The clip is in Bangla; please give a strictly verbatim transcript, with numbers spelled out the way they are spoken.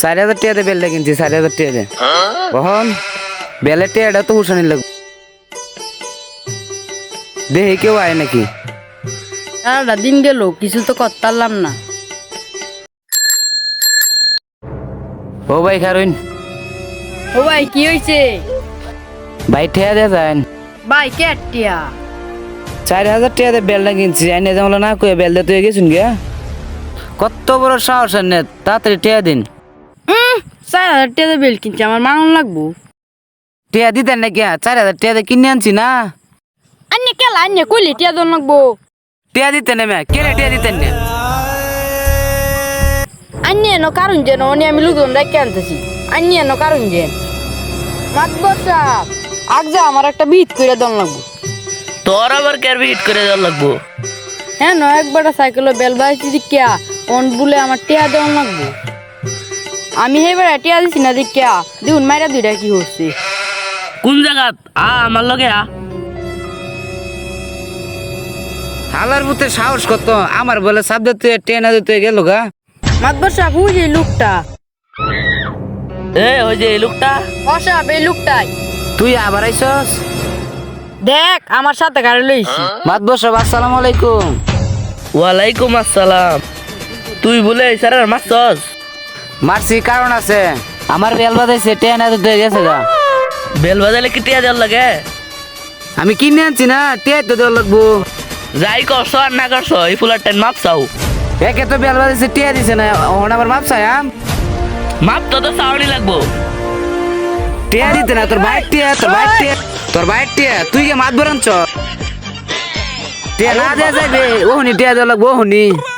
চার হাজার টাকা দিয়ে বেলটা কিনছি, চার হাজার টাকা দিয়ে। কখন বেলের টাকাটা তো হুসানি লাগবে, দেখি কেউ আয় নাকি। সারাটা দিন গেল কিছু তো করতে পারলাম না। ও ভাই খারুন, ও ভাই কি হয়েছে? ভাই ঠেয়া দিয়ে যান। ভাই কে টিয়া? চার হাজার টাকা দিয়ে বেলটা কিনছি, আইনে যেমন না কয়ে বেল দিয়ে তুই গেছুন গিয়া। কত বড় সাহস আর নেই, তাড়াতাড়ি ঠেয়া দিন। হুম, চার হাজার টাকা বেল কিনছি, আমার মাংন লাগবো। টিয়া দিতেন না কিয়া? চার হাজার টাকা দিয়ে কিনে আনছি না। আন্য কেলা আন্য কইলে টিয়া দন লাগবো। টিয়া দিতেন না ম্যা, কে রে টিয়া দিতেন না? আন্য এনো কারণ যেন অনি আমি লোকজন রেখে আনতেছি। আন্য এনো কারণ যেন মাতবর সাহেব আগ যা আমার একটা বিট করে দন লাগবো। তোর আবার কে হিট করে দেওয়ার লাগবো? হ্যাঁ ন একবার সাইকেলে বেল বাইছি দিকিয়া অন বলে আমার টিয়া দেওয়ান লাগবো। আমি হেবার টিয়া দিছি না দিকিয়া দিউন মাইরা দুইটা কি হচ্ছে। কোন জায়গাত? আ আমার লগে আ। হালার পুতে সাহস কত, আমার বলে সাব দিতে টেনা দিতে গেল গা। মাতবর সাহেব ওই যে লোকটা। এ ওই যে এই লোকটা। অসাব এই লোকটাই। তুই আবার আইসস? দেখ আমার সাথে গাড়ি লইছি। মাতবর সাহেব আসসালামু আলাইকুম। ওয়ালাইকুম আসসালাম। তুই বলে স্যার মারছস? মারছি কারণ আছে, আমার বেল বাজাইছে টেনা দিতে গেছে গা। বেল বাজালে কি টিয়া দেওয়ার লাগে? আমি কিনে আনছি না, টিয়া তো দেওয়া লাগবো। যাই করছো আর না করছো এই ফুলার টাইম মাপ চাও। একে তো বেল বাজাইছে টিয়া দিছে না, ওখানে আবার মাপ চাই আম। মাপ তো তো চাওয়ানি লাগবো। টিয়া দিতে না, তোর বাইক টিয়া, তোর বাইক টিয়া, তোর বাইক টিয়া, তুই কে মাত বরানছ? টিয়া না দেয়া যাইবে, ওহনি টিয়া দেওয়া লাগবো ওহনি।